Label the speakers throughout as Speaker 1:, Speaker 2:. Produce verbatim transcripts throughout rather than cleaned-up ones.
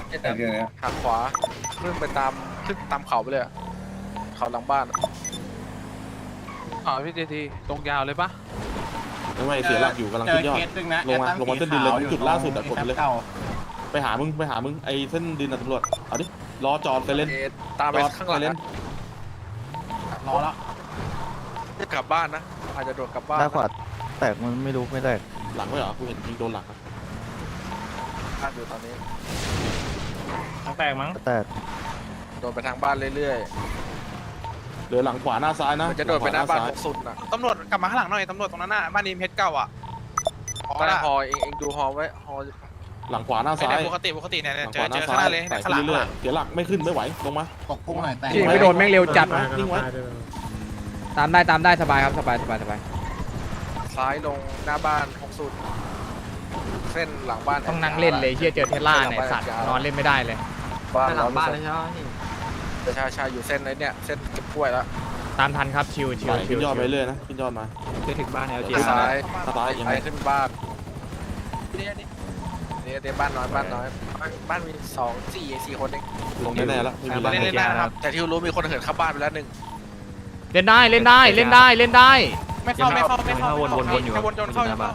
Speaker 1: หักขวาขึ้นไปตามขึ้นตามเขาไปเลยเขาหลังบ้านอ๋อพี่เจทีตรงยาวเลยปะ
Speaker 2: ไม่ไม่เสียหลักอยู่กำลังขึ้นยอดลงมาลงมาเส้นดินเลยจุดล่าสุดอะกดเลยไปหามึงไปหามึงไอ้เส้นดินอะตำรวจเอาดิรอจอดไปเล่น
Speaker 1: ตามไปข้างหลังรอแล้วจะกลับบ้านนะอาจจะโดดกลับบ้าน
Speaker 3: ได้ขวาแตกมันไม่รู้ไม่แตก
Speaker 2: หลังไม่เหรอกูเห็นยิงโดนหลัง
Speaker 1: บ้านอยู่ตอนนี้
Speaker 4: ทางแตกมั้ง
Speaker 3: แตก
Speaker 1: โดดไปทางบ้านเรื่อย
Speaker 2: ๆเหลือหลังขวาหน้าซ้ายนะ
Speaker 1: จะโดดไปหน้าบ้านสุดน่ะ
Speaker 5: ตำรวจกลับมาข้างหลังหน่อยตำรวจตรงนั้นน่ะบ้านนี้เพชรเก่าอ่ะ
Speaker 1: ตอนฮอเองเองดูฮอไว้ฮอ
Speaker 2: หลังขวาหน้าซ้าย
Speaker 5: ปกติปกติเนี่ย
Speaker 2: หลัง
Speaker 5: เจ
Speaker 2: ขวา
Speaker 5: อ
Speaker 2: หน้า
Speaker 5: เจอ
Speaker 2: ซ้า
Speaker 5: ข้างหน้าเลย
Speaker 2: ไต่
Speaker 5: ข้างหลัง
Speaker 2: เรื่อยๆเสียหลักไม่ขึ้นไม่ไหวลงมา
Speaker 6: ตกพุ่งหน่อยแต่
Speaker 7: ไม่โดนแม่งเร็วจัด
Speaker 2: นิ่งไว้
Speaker 7: ตามได้ตามได้สบายครับสบายสบายสบาย
Speaker 1: ซ้ายลงหน้าบ้านหกสุดเส้นหลังบ้าน
Speaker 7: ต้องนั่งเล่นเลยเฮียเจอเทสลาเนี่ยสัตว์นอนเล่นไม่ได้เลย
Speaker 1: บ้านหลังบ้านเลยใช่ไหมใช่ใช่อยู่เส้นเลยเนี่ยเส้นเก็บกล้วยแล้ว
Speaker 7: ตามทันครับชิวชิว
Speaker 2: ขึ้นยอดไปเรื่อยนะขึ้นยอดมา
Speaker 7: จะถึงบ้านแล้วเจ
Speaker 1: ซ้าย
Speaker 2: ซ้ายยังไง
Speaker 1: ขึ้นบ้านนี่นี่นี่บ้านน้อยบ้านน้อยบ้านมีสองสี่สี่คนเอง
Speaker 2: ลงแน่ๆแล้วไม่มีอะไร
Speaker 5: เล่นได้นะครับ
Speaker 1: แต่ที่รู้มีคนเหินเข้าบ้านไปแล้วหนึ่ง
Speaker 7: เล่นได้เล่นได้เล่นได้เล่นได้
Speaker 5: ไม่เข้าไม่เข้าไม่เข้าวนวนวนอยู่วนวนเข้าอยู่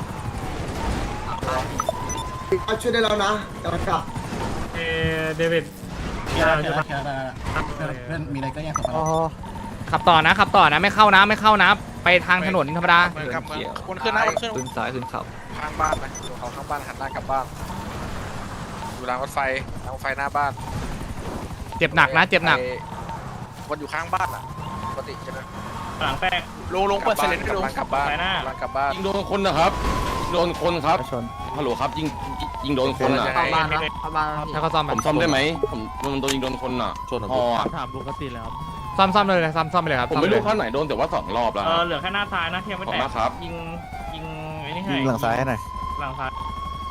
Speaker 6: ช่วยได้แล้วนะกำลังกลับ
Speaker 4: เอเดวิด
Speaker 6: มีอะไรมีอะไรก็ยังขับ
Speaker 7: ขับต่อนะขับต่อนะไม่เข้านะไม่เข้านะไปทางถนนธรรมดา
Speaker 5: วนขึ้นนะวนขึ้น
Speaker 1: ขึ้นซ้ายขึ้นเขาข้างบ้านนะอยู่เขาข้างบ้านหันหน้ากลับบ้านอยู่รางรถไฟรางรถไฟหน้าบ้าน
Speaker 7: เจ็บหนักนะเจ็บหนัก
Speaker 1: วันอยู่ข้างบ้านอ่ะปกติใช่ไหม
Speaker 4: หลังแตก
Speaker 5: ลงลงเปิดเซเลนต์ลง
Speaker 1: กลับบ้าน
Speaker 4: หน้
Speaker 1: ากลับบ้าน
Speaker 2: ยิงโดนคนนะครับโดนคนครับฮัลโหลครับยิงยิงโดนคนอ่ะ
Speaker 7: เข้าบ้านนะเข้าบ้านถ้าเขาซ่อม
Speaker 2: ผมซ่อมได้ไหมผมโดนยิงโดนคนอ่ะชนอ๋อ
Speaker 4: ถามปกติแล้ว
Speaker 7: ซ่อมซ่อมเลยซ่อมซ่อมไปเลยครับ
Speaker 2: ผมไม่รู้ข้างไหนโดนแต่ว่าสองรอบแล้ว
Speaker 4: เออเหลือแค่หน้าซ้ายนะที่ยังไม่แตกยิงยิงไอ้นี่ให้
Speaker 3: ยิงหลังซ้ายหน่อย
Speaker 4: หลังซ้าย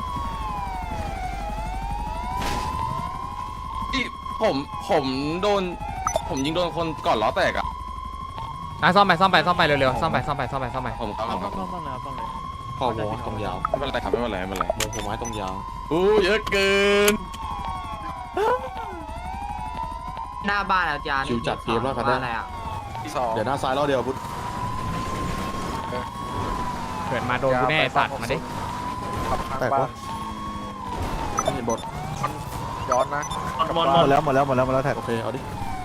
Speaker 2: ที่ผมผมโดนผมยิงโดนคนก่อนล้อแตกอ่ะ
Speaker 7: อ่ะซ่อมไปซ่อมไปซ่อมไปเร็วๆซ่อมไปซ่อมไปซ่อมไปซ่อมไป
Speaker 2: ผมครับผมครับ
Speaker 4: ซ่อมซ่อมเลยซ่อมเลย
Speaker 2: ข้อวอตรงยาวไม่เป็นไรครับไม่เป็นไรไม่เป็นไรโมผมไม้ตรงยาวอู้เยอะเกิน
Speaker 8: หน้าบ้านอาจารย์
Speaker 2: ชิวจัดเกมแล้วครับเนี่ยเดี๋ยวหน้าซ้ายล้อเดียวพุทธ
Speaker 7: เกิดมาโดนกูแน่สัตว์มาดิ
Speaker 1: แตกวะ
Speaker 2: ไม่เห็นบท
Speaker 1: ย้อนนะ
Speaker 3: หมดแล้วหมดแล้วหมดแล้วหมดแล้วแท็ก
Speaker 2: โอเคเอาดิ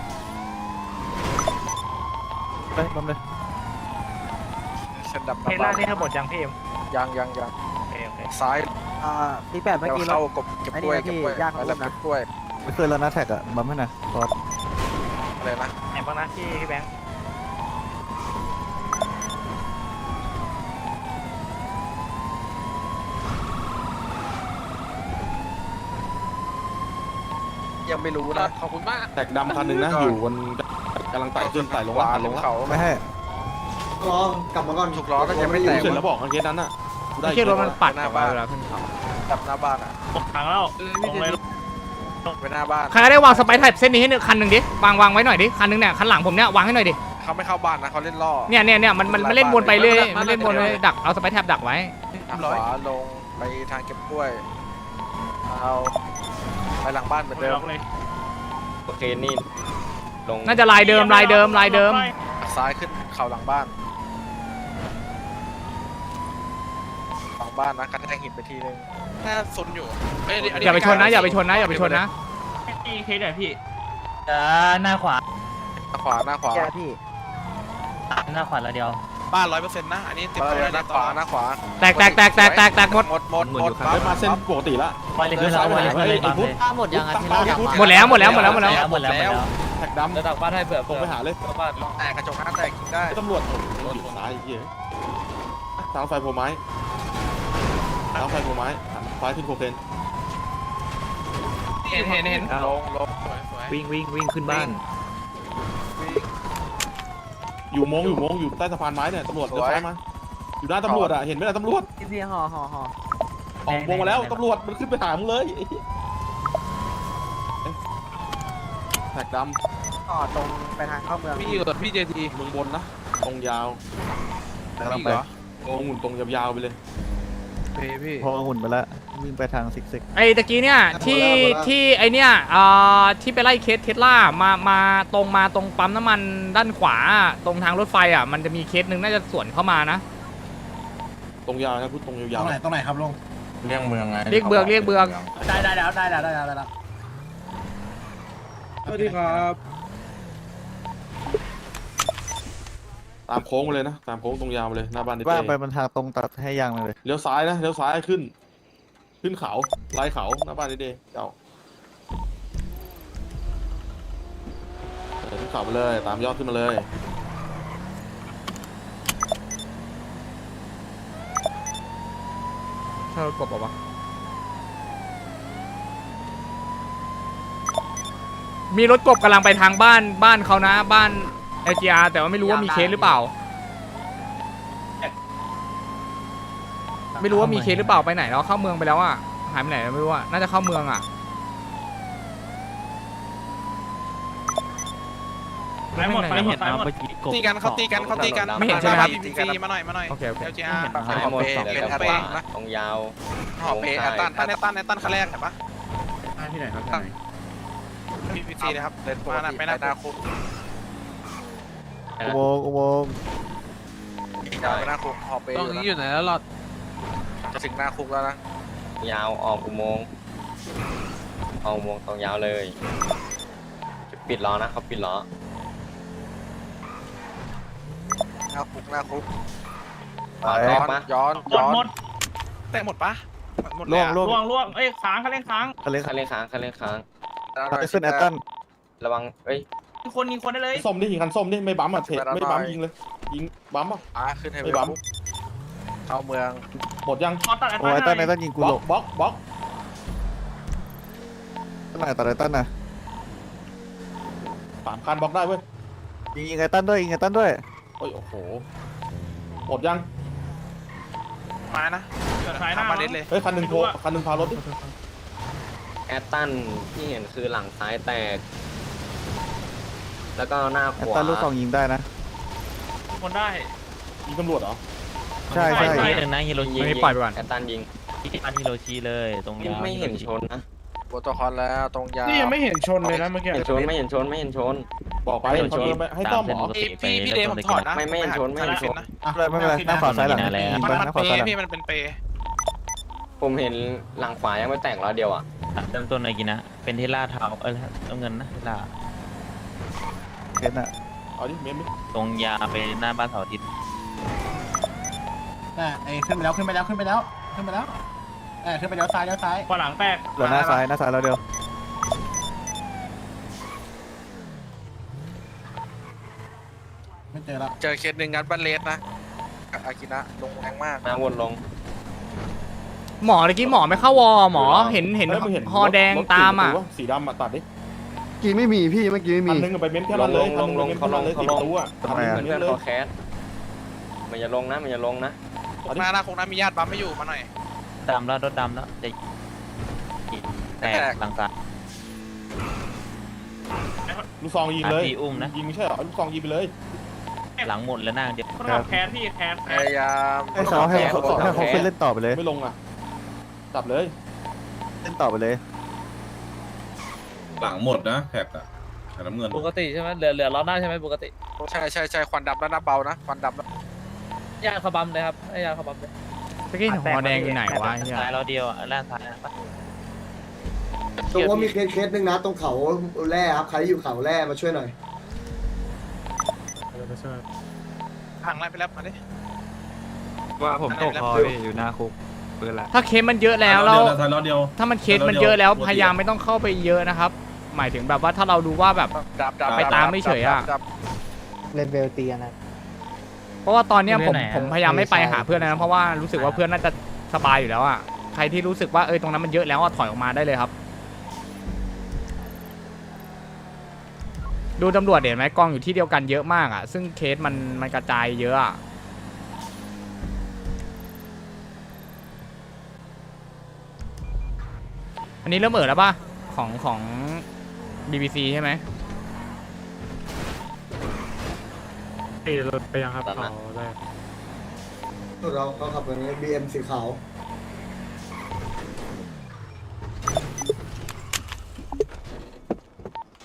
Speaker 3: ไปล้มเลย
Speaker 1: เส้นดำ
Speaker 4: เทล่านี่ทั้งหมดยังพี่เอ็ม
Speaker 1: ยังยังยังซ้าย
Speaker 8: อ่าปีแปดเมื่อกี้
Speaker 1: เข้ากบเก็บกล้วยเก็บกล้วยยากแล้วเก็บกล้วย
Speaker 3: ไม่เคยแล้วนะแท็กอะบัมให้หน่อยรอด
Speaker 1: อะไรนะ
Speaker 4: ไหนบ้างนะที่พี่แบงค์
Speaker 1: ยังไม่รู้นะขอบคุณมาก
Speaker 2: แตกดำคันหนึ่งนะอยู่บนกำลังไต่ขึ้นไต่ลงล่างลง
Speaker 1: เขา
Speaker 3: ไม่ให้
Speaker 6: รอกลับมาก่อน
Speaker 1: ถูกล้อก็ยังไม่แตก
Speaker 2: เสร็จแล้วบอกเคสนั้นน่ะ
Speaker 7: ไม่ใช่รถมันปัดหน้าบ้านเวลาขึ้นเขา
Speaker 1: ดับหน้าบ้านอ่ะ
Speaker 4: ตกทางแล้วลงเลย
Speaker 1: ไปหน้าบ้าน
Speaker 7: ใครได้วางสไปร์ไทป์เส้นนี้ให้หนึ่งคันหนึ่งดิวางวางไว้หน่อยดิคันหนึ่งเนี่ยคันหลังผมเนี่ยวางให้หน่อยดิ
Speaker 1: เขาไม่เข้าบ้านนะเขาเล่นล่อ
Speaker 7: เนี่ยเนี่ยเนี่ยมันมันมันเล่นวนไปเรื่อยมันเล่นวนเลยดักเอาสไปร์แท็บดักไว้
Speaker 1: ขวาลงไปทางเก็บกล้วยเอาไปหลังบ้านเหมือนเดิม
Speaker 2: โอเคนี่ลง
Speaker 7: น่าจะลายเดิมลายเดิมลายเดิม
Speaker 1: ซ้ายขึ้นเขาหลังบ้านหลังบ้านนะกระแทกหินไปทีนึง
Speaker 5: แค่ซุนอยู่
Speaker 7: อย่าไปชนนะอย่าไปชนนะอย่าไปชนนะ
Speaker 4: พี่เคสไหนพี่
Speaker 8: อ่าหน้าขวา
Speaker 1: หน้าขวาหน้าขวา
Speaker 8: พี่หน้าขวาแล้วเดียว
Speaker 5: บ้านร้อยเปอร์เซ็นต์นะอันนี้เต็มตัวเลย
Speaker 1: หน้าขวาหน้าขวา
Speaker 7: แตกแตกแตกแตกแตกแตกหมด
Speaker 1: หมดหมดหมด
Speaker 2: เดินมาเส้นปกติละ
Speaker 8: ไปเลยขึ้นแล้วไปเลยขึ้นเลยไอ้พุทธหมดยังอ่ะที่เรา
Speaker 7: หมดแล้วหมดแล้วหมดแล้วหมดแล้ว
Speaker 8: หมดแล้วหมดแล้ว
Speaker 2: แท็กดำ
Speaker 8: ระดับบ้านให้เผื่อ
Speaker 2: ผมไปหาเลย
Speaker 1: บ้านแตกกระจกหน้าแตกกินได้
Speaker 2: ตำรวจอยู่ซ้ายเยอะทางไฟโพไม้ทางไฟโพไม้ไฟขึ้นโคเคน
Speaker 5: เห็นเห็นเห็น
Speaker 1: ลงลง
Speaker 7: วิ่งวิ่งวิ่งขึ้นบ้าน
Speaker 2: อยู่มงอยู่มงอยู่ใต้สะพานไม้เนี่ยตำรวจเดินซ้ายมาอยู่หน้าตำรวจอ่ะเห็นไหมล่ะตำรวจ
Speaker 8: พี่พี่ห่อห่อห่อ
Speaker 2: ออกวงมาแล้วตำรวจมันขึ้นไปหามึงเลยแท็กด
Speaker 8: ำต่อตรงไปทางเข้าเมือง
Speaker 1: พี่อยู่พี่เจที
Speaker 2: เมืองบนนะตรงยาว
Speaker 3: กำลังไป
Speaker 2: ตรงหุ่นตรงยาวๆไปเลย
Speaker 1: พี่พี่
Speaker 3: พอหุ่นไปแล้ววิ่งไปทางซิกซิก
Speaker 7: ไอ้ตะกี้เนี่ยที่ที่ไอเนี่ยเอ่อที่ไปไล่เคสเทสลามามาตรงมาตรงปั๊มน้ำมันด้านขวาตรงทางรถไฟอ่ะมันจะมีเคสหนึ่งน่าจะสวนเข้ามานะ
Speaker 2: ตรงยาวนะพูดตรง
Speaker 6: ต
Speaker 2: ยา
Speaker 6: ร
Speaker 2: ว
Speaker 6: งไหนตรงไหนครับลุง
Speaker 9: เรียกเมืองไง
Speaker 7: เรียกเบืองเรียกเบือง
Speaker 6: ได้ได้แล้วได้แล้วได้แล้วได้แล้ว
Speaker 1: สวัสดีครับ
Speaker 2: ตามโค้งมาเลยนะตามโค้งตรงยาวมาเลยหน้าบ้านดิ
Speaker 3: ว่า
Speaker 2: เต้
Speaker 3: ไปมันทางตรงตัดให้ยางเลย
Speaker 2: เลี้ยวซ้ายนะเลี้ยวซ้ายขึ้น ขึ้นเขาไล่เขาหน้าบ้านดิเต้เจ้าเดินขึ้นเขาไปเลยตามยอดขึ้นมาเลย
Speaker 7: เธอกดบอกว่ามีรถกบกำลังไปทางบ้านบ้านเขานะบ้าน แอล จี อาร์ แต่ว่าไม่รู้ว่ามีเคสหรือเปล่า ไม่รู้ว่ามีเคสหรือเปล่าไปไหนแล้วเข้าเมืองไปแล้วอ่ะหายไปไหนแล้วไม่รู้อ่ะน่าจะเข้าเมืองอ่ะ
Speaker 4: ไปหมดไปหมดไปหมด
Speaker 5: ตีกันเขาตีกันเขาตีกัน
Speaker 7: ไม่เห็นใช่ไหมครับ
Speaker 5: พีซีมาหน่อยมาหน่อย
Speaker 7: โอเคโอเค
Speaker 5: เอลจีอาร์
Speaker 9: หายหมดสอง
Speaker 5: เป็นแอตตันนะ
Speaker 9: ตรงยาว
Speaker 5: หอบเปแอตตันตันแอตตันแอตตันคันแรกเห็นปะ
Speaker 6: ที่ไหนครับ
Speaker 5: พีซีนะครับมาหน้าไปหน้าหน้าคุก
Speaker 3: อุโมงค์อุโมงค์
Speaker 5: ยาวไปหน้าคุกหอบเป
Speaker 1: ตรงนี้อยู่ไหนแล้วหลอด
Speaker 5: จะถึงหน้าคุกแล้วนะ
Speaker 9: ยาวออกอุโมงค์ออกอุโมงค์ตรงยาวเลยปิดล้อนะเขาปิดล้อ
Speaker 5: หน้าคุกหน้าคุก
Speaker 9: ขวา
Speaker 5: ย้
Speaker 9: แต
Speaker 5: อก น
Speaker 9: ปะ
Speaker 5: ย้อน
Speaker 4: หม
Speaker 5: ย้
Speaker 4: ด
Speaker 5: อน
Speaker 4: หมด
Speaker 5: แต่หมดปะหมดเล
Speaker 3: ล่
Speaker 5: ยว
Speaker 3: ง
Speaker 5: อะ
Speaker 3: ล่วง
Speaker 4: ล่วงล่วงเอ้ยค้างเขาเล่นค้าง
Speaker 3: ทะเล
Speaker 9: คันเร่งค้างคันเร่งค้าง
Speaker 3: ไปขึ้นแอตตัน
Speaker 9: ระวังเอ้ย
Speaker 4: ยิงคนยิงคนได้เลย
Speaker 2: ส้มดิยิงคันส้มดิไม่บั๊มอ่ะเทไม่บั๊มยิงเลยยิงบั๊มอ่ะ
Speaker 5: อ่ะขึ้นให้
Speaker 2: ไม่
Speaker 5: เว
Speaker 2: บั๊ม
Speaker 5: คุกเข้าเมือง
Speaker 2: หมดยัง
Speaker 4: ขอตัดไอ้
Speaker 3: โอ้ยแอตตันแอตตันยิงกู
Speaker 2: บล็
Speaker 3: หล
Speaker 2: อก บล็อกบล็อก
Speaker 3: ตั้งไหนตัดแอตตันนะ
Speaker 2: สามคันบล็อกได้เว้ย
Speaker 3: ยิงยิงแอตตันด้วยยิงแอตตันด้วย
Speaker 2: โอ้ยโอ้โหหมดยัง
Speaker 5: มานะ
Speaker 4: เกิดสายหน้า
Speaker 5: ทำมาเด็ดเลย
Speaker 2: เฮ้ยคันหนึ่งโทรคันหนึ่งพารถดิ
Speaker 9: แอตตันที่เห็นคือหลังซ้ายแตก แล้วก็หน้า
Speaker 3: แอ
Speaker 9: ข
Speaker 3: ต
Speaker 9: วา
Speaker 3: ตันลูกซองยิงได้นะ
Speaker 4: คนได้
Speaker 2: ยิงตำรวจเหรอ
Speaker 3: ใช่ใช่
Speaker 4: ใช่
Speaker 7: หนึ่งนะฮิโรชิ
Speaker 9: ยิง
Speaker 7: ไม่ปล่อยไปก่อน
Speaker 9: แอตตันยิง
Speaker 8: อันฮิโรชิเลยตรงยาว
Speaker 9: ไม่เห็นชนนะ
Speaker 5: โปรโตคอลแล้วตรงยาว
Speaker 1: นี่ยังไม่เห็นชนเลยนะเมื่อกี้
Speaker 9: เห็นชนไม่เห็นชนไม่เห็นชน
Speaker 2: บอกไปเขาเดินไปให้ต้อมเหรอ
Speaker 5: พี่พี่พี่เดย์ผมถอดนะ
Speaker 9: ไม่ไม่เห็นชนไม่เห็นชน
Speaker 5: นะ
Speaker 3: ไม่เป็นไรไม่เป็นไรหน้าขวาซ้ายหลัง
Speaker 8: แล้ว
Speaker 3: ยิง
Speaker 5: มัน
Speaker 3: ไป
Speaker 5: มัน
Speaker 3: หน้าข
Speaker 5: เป
Speaker 3: วาซ้ายหลัง
Speaker 5: พี่มันเป็นเป
Speaker 9: ผมเห็นหลังขวายังไม่แตกล้อเดียวอ่ะ
Speaker 8: เริ่มต้นอะไรกินนะ เป็นเทล่าเทาเออเอาเงินนะเทล่า
Speaker 3: เคสน่ะ
Speaker 2: เอาดิเมมดิ
Speaker 8: ตรงยาวไปหน้าบ้านเสาร์อาทิตย์
Speaker 6: อ่ะไอ้ขึ้นไปแล้วขึ้นไปแล้วขึ้นไปแล้วขึ้นไปแล้วเออขึ้นไปแล้วซ้ายแล้วซ้าย
Speaker 4: ขวาหลังแตก
Speaker 3: เหลือหน้าซ้ายหน้าซ้ายเราเดียว
Speaker 6: ไม่เจอแล้ว
Speaker 5: เจอเคสหนึ่งงัดบันเลสนะอากินะลงแรงมาก
Speaker 9: หน้าวนลง
Speaker 7: หมอเมื่อกี้หมอไม่เข้าวอหมอเห็นเห็น
Speaker 2: ฮ้ยมึง
Speaker 7: ฮอแดง
Speaker 2: รถ
Speaker 7: ตามอ่ะ
Speaker 2: สี่ประตูวสีดำอ่ะตัดดิ
Speaker 10: กี้ไม่มีพี่เมื่อกี้ไม่
Speaker 2: คั
Speaker 10: มี
Speaker 2: นหนึงไปเม้มแค่นั้นเลยคันหนึงไปเม้มแค่นั้นเลยสี่ประตูอ่ะ
Speaker 3: ทำไมอ่ะ
Speaker 9: เพื่อนเขาแคสมันอย่าลงนะมันอย่าลงนะ
Speaker 2: เอาดิ
Speaker 5: หน้าหน้าคงน้ามีญาติบัมไม่อยู่มาหน่อย
Speaker 8: ดำแล้วรถดำแล้วจะแตกหลังซ้าย
Speaker 2: ลูกซองยิงเลย
Speaker 8: อ่ะพี่อุ้มนะ
Speaker 2: ยิงไม่ใช่เหรอลูกซองยิงไปเลย
Speaker 8: หลังหมดแล้วหน้าเดียว
Speaker 4: คนขับแคสพี่แคส
Speaker 5: พยายาม
Speaker 3: ให้เขาให้เขาให้เขาขึ้นเล่นต่อไปเลย
Speaker 2: ไม่ลงอ่ะจับเลย
Speaker 3: เล่นต่อไปเลย
Speaker 11: หลังหมดนะแท็กอะแท็กน้ำเงิน
Speaker 8: ปกติใช่ไหมเหลือเหลือล้อหน้าใช่ไหมปกติ
Speaker 5: ใช่ใช่ใช่ควันดำแล้วหน้าเบานะควันดำแล้ว
Speaker 8: ยาขบัมเลยครับยาขบัมเลย
Speaker 7: เมื่อกี้เห็นฮอแดงอยู่ไหนวะเหี้ย
Speaker 8: ซ้ายเราเดียวอ่ะล่างซ้ายนะ
Speaker 10: ตรงว่ามีเคสเคสหนึ่งนะตรงเขาแร่ครับใครอยู่เขาแร่มาช่วยหน่อย
Speaker 5: พังไล่ไปแล้วมาดิ
Speaker 1: ว่าผมตกคอพี่อยู่หน้าคุกปืนละ
Speaker 7: ถ้าเคสมันเยอะแล้วแล้ว
Speaker 11: ท้ายล้อเดียว
Speaker 7: ถ้ามันเคสมันเยอะแล้วพยายามไม่ต้องเข้าไปเยอะนะครับ หมายถึงแบบว่าถ้าเราดูว่าแบบ
Speaker 5: ดับดับ
Speaker 7: ไปตามไม่เฉยอะ
Speaker 5: ดับ
Speaker 8: เลเวลเตียนะ
Speaker 7: เพราะว่าตอนเนี้ยผม
Speaker 8: เรื่องไหนอะ
Speaker 7: ผมพยายามไม่ไปหาเพื่อนนะเพราะว่ารู้สึกว่าเพื่อนน่าจะสบายอยู่แล้วอ่ะใครที่รู้สึกว่าเออตรงนั้นมันเยอะแล้วอะถอยออกมาได้เลยครับ ดูตำรวจเห็นไหมกองอยู่ที่เดียวกันเยอะมากอ่ะซึ่งเคสมันมันกระจายเยอะอะอันนี้เริ่มเอ่อแล้วป่ะของของ บี บี ซี ใช่ไหม
Speaker 1: ตีรถไปยังครับเขาแรก
Speaker 10: เราเขาขับแบบนี้ บี เอ็ม สีขาว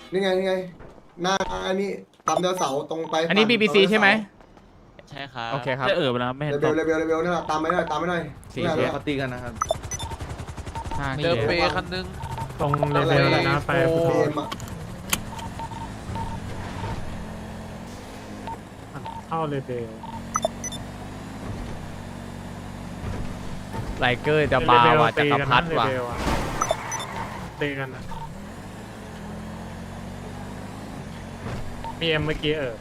Speaker 10: นี่ไงนี่ไงหน้าอันนี้ตามเดาเสาตรงไป
Speaker 7: อันนี้ บี บี ซี ใช่ไหม
Speaker 8: ใช่ครับ
Speaker 7: โอเคครับ
Speaker 4: จะเออไปแล้วไม่เห็น
Speaker 10: เร็วเร็วเร็วเร็วนี่แหละตามไปหน่อยตามไปหน่อย
Speaker 7: สี่
Speaker 10: นี่
Speaker 7: เค
Speaker 10: แหละ
Speaker 7: ส
Speaker 3: เขาตีกันนะครับ
Speaker 7: ห้า
Speaker 1: เจอ
Speaker 7: เค
Speaker 1: เป
Speaker 7: ส
Speaker 1: คันนึง
Speaker 4: ตรงเลเวลแล้วนะไป
Speaker 1: โอ้
Speaker 10: เอ็มอะ
Speaker 4: เข้าเลเวล
Speaker 7: ไลเกอร์จะบาว่ะจักรพรรดิว่ะ
Speaker 4: ตีกันนะมีเอ็มเมื่อกี้เออ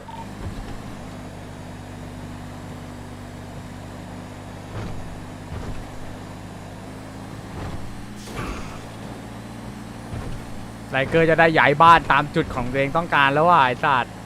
Speaker 7: ไลเกอร์จะได้ย้ายบ้านตามจุดของตัวเองต้องการแล้วว่ะไอ้สัตว์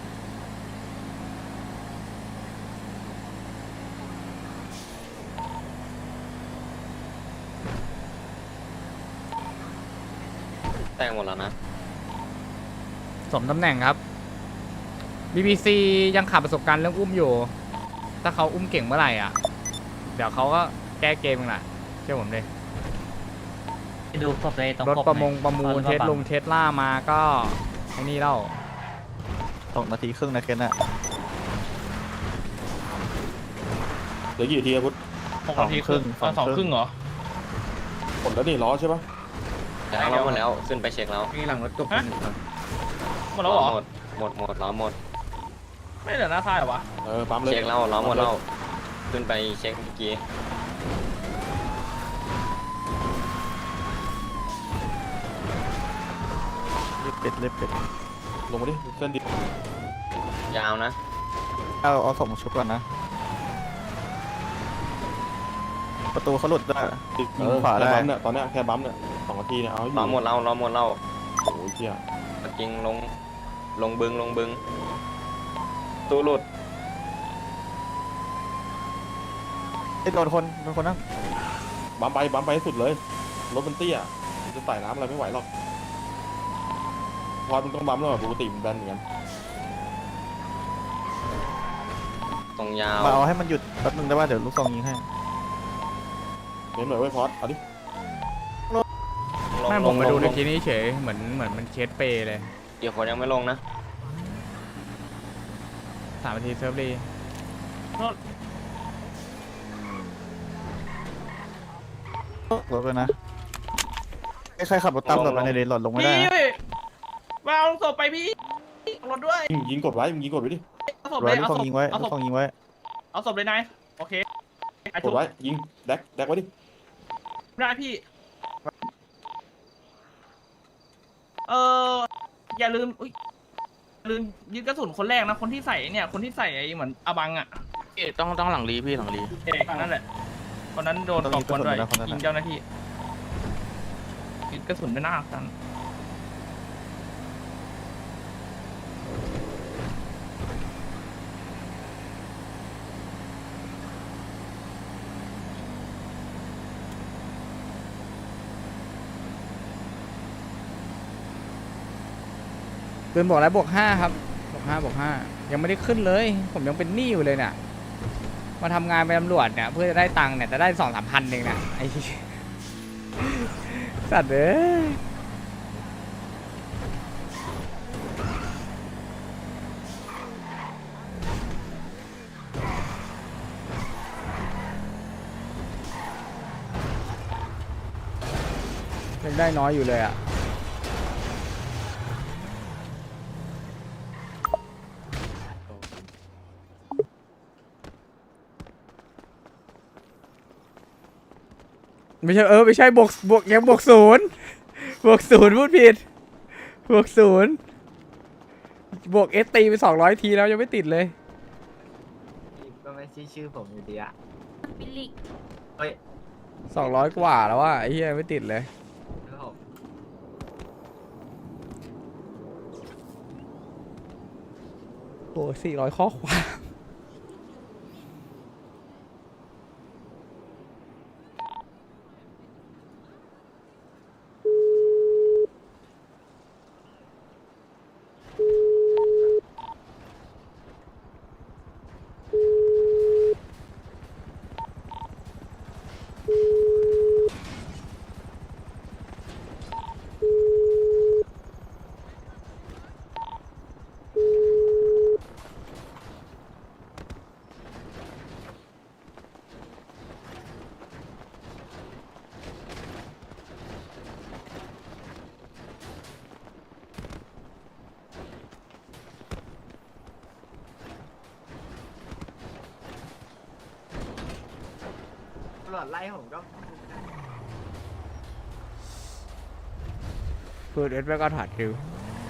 Speaker 9: แต่งหมดแล้วนะ
Speaker 7: สมตำแหน่งครับ บี บี ซี ยังขาดประสบการณ์เรื่องอุ้มอยู่ ถ้าเขาอุ้มเก่งเมื่อไหร่อ่ะ เดี๋ยวเขาก็แก้เกมเองแหละเชื่อผมเลย
Speaker 8: ดูครบเลยตรง
Speaker 7: รถ
Speaker 8: คบ
Speaker 7: ประมง
Speaker 8: ไห
Speaker 7: ประมูล
Speaker 8: ตอน
Speaker 7: เทส
Speaker 8: ว่า
Speaker 7: ลงเทสล่ามาก็ไอ้นี่เล่า
Speaker 3: สองนาทีครึ่งนะเคนอ่ะ
Speaker 2: เหลือกี่นาทีอะพุทธ
Speaker 4: หกนาทีครึ่ง
Speaker 3: สองครึ่ง
Speaker 4: สองครึ่งเหรอ
Speaker 2: หมดแล้วนี่ล้อใช่ปะ
Speaker 9: แล้วหมดแล้วขึ้นไปเช็คแล้ว
Speaker 3: มีหลังรถกบ
Speaker 4: ฮะ หมดแล้วเหรอ
Speaker 9: หมดหมดหมดล้อหมด
Speaker 4: ไม่เหลือหน้าท้ายเหรอวะ
Speaker 2: เออปั๊มเลย
Speaker 9: เช็คแล้วล้อหมดแล้วขึ้นไปเช็คเมื่อกี้
Speaker 3: เล็บเป็ดเล็บเป็ด
Speaker 2: ลงมาดิเส้นดิ
Speaker 9: ยาวนะ
Speaker 3: เอาเอาส่งชุบก่อนนะ ประตูเขาหลุดได้
Speaker 2: ติด
Speaker 3: ยิ
Speaker 2: เอง อ
Speaker 3: ขวา
Speaker 2: แค่
Speaker 3: ได้
Speaker 2: บัมเนี่ยตอนเนี้ยแค่บัมเนี่ยสองนาทีเนี่ยเอาให้อยู่
Speaker 9: ล้อหมดแล้วล้อหมดแล้ว
Speaker 2: โอ้ยเชี่ย
Speaker 9: จริงลงลงบึงลงบึงตู้หลุด
Speaker 3: ไอ้ยโดนคนโดนคนนั่ง
Speaker 2: บัมไปบัมไปให้สุดเลยรถมันเตี้ยมันจะไต่น้ำอะไรไม่ไหวหรอกพอมันต้องบัมแล้วอะปกติมันแบนเหมือนกัน
Speaker 9: ตรงยาว
Speaker 3: มาเอาให้มันหยุดแป๊บนึงได้ป่ะเดี๋ยวลูกซองยิงให้
Speaker 2: เน้นหน่อยไว้พอดเอาดิ
Speaker 7: ไม่ผมมาดูในทีนี้เฉยเหมือนเหมือนมันเคสเปย์เลย
Speaker 9: เดี๋ยวคนยังไม่ลงนะ
Speaker 7: สามนาทีเซิร์ฟรี
Speaker 3: รถเลยนะไอ้ใครขับรถตามหลบมาในเลนหลอดลงไม่ได้
Speaker 4: พี่
Speaker 3: นะ
Speaker 4: มาเอาศพไปพี่เอารถด้วย
Speaker 2: ยิงยิงกดไว้มึงยิงกดไว้ดิ
Speaker 4: เอาศพ
Speaker 3: ร
Speaker 4: เล
Speaker 3: อย ลูก
Speaker 4: เอา
Speaker 3: ซอง
Speaker 4: ศพ
Speaker 3: ยิงไว้
Speaker 4: เอา
Speaker 3: ลู
Speaker 4: ศ
Speaker 3: ก
Speaker 4: พ
Speaker 3: ซองยิงไว้
Speaker 4: เอาศพเลยนายโอเคไอ้
Speaker 2: ก
Speaker 4: ทุ
Speaker 2: ด
Speaker 4: ก
Speaker 2: ไว้ยิงแดกแดกไว้ดิ
Speaker 4: ได้พี่เอออย่าลืมอุ๊ยอย่าลืมยึดกระสุนคนแรกนะคนที่ใส่เนี่ยคนที่ใส่ไอ้เหมือนอบังอ่ะ
Speaker 1: เอ๊ะต้องต้องหลังรีพี่หลังรี
Speaker 4: เอกนั่นแหละคนนั้นโดนก่อกวนด้วยยิงเจ้าหน้าที่ยึดกระสุนไม่น่ากัน
Speaker 7: ปืนบอกแล้วบวกห้าครับบวกห้าบวกห้ายังไม่ได้ขึ้นเลย ผมยังเป็นหนี้อยู่เลยเนี่ยมาทำงานเป็นตำรวจเนี่ยเพื่อจะได้ตังค์เนี่ยจะได้สองสามพันเองเนี่ยไอ้ สัตว์เอ้ยยังได้น้อยอยู่เลยอ่ะไม่ใช่เออไม่ใช่บวกบวกยังบวกศูนย์บวกศูนย์พูดผิดบวกศูนย์บวกเอสตีไปสองร้อยทีแล้วยังไม่ติดเลย
Speaker 8: ก็ไม่ใช่ชื่อผมอยู่ดีอะ
Speaker 12: บิลลิก
Speaker 7: สองร้อยกว่าแล้วว่าไอ้เหี้ยไม่ติดเลยโอ้สี่ร้อยข้อความ
Speaker 12: จไล่ผมก็
Speaker 7: พูดเอสไปก็ถอดคิว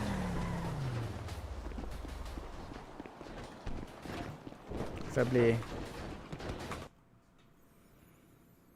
Speaker 7: เซิร์ฟรี